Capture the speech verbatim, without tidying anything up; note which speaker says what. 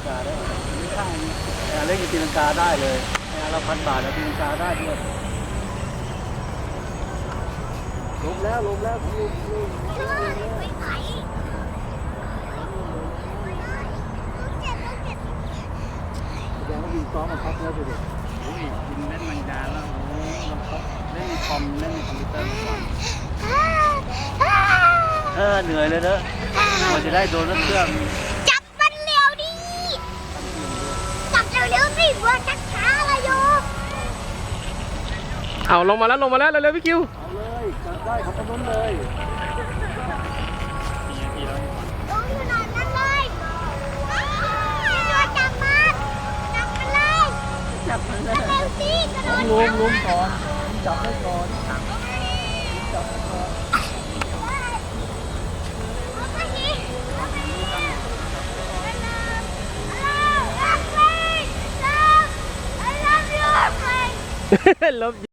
Speaker 1: กาได้ไม่ใช่แอร์เล็กตีลังกาได้เลยแอร์ละพันบาทแล้วตีลังกาได้ด้วยลงแล้วลงแล้วลงลงแสดงว่ายิงซ้อมมาพักแล้วสิเด็กโอ้ยยิงเล่นมังดาแล้วโอ้ยเล่นคอมเล่นคอมพิวเตอร์เออเหนื่อยเลยเนอะกว่าจะได้โดนนักเครื่อง
Speaker 2: จับมันเร็วดิจับเร็วๆสิวัวชักช้าเลยโย
Speaker 3: เอาลงมาแล้วลงมาแล้วเร็วๆพี่คิว
Speaker 1: เอาเลยจับได้ขับถนนเลย
Speaker 2: ลงถนนนั่นเลยตัวจับมันจับมันเลย
Speaker 1: จับมันเลย
Speaker 2: เร็วสิกระโดด
Speaker 1: ลุมลุมก่อนจับได้ก่อนจับได้ก่อน
Speaker 2: I love you.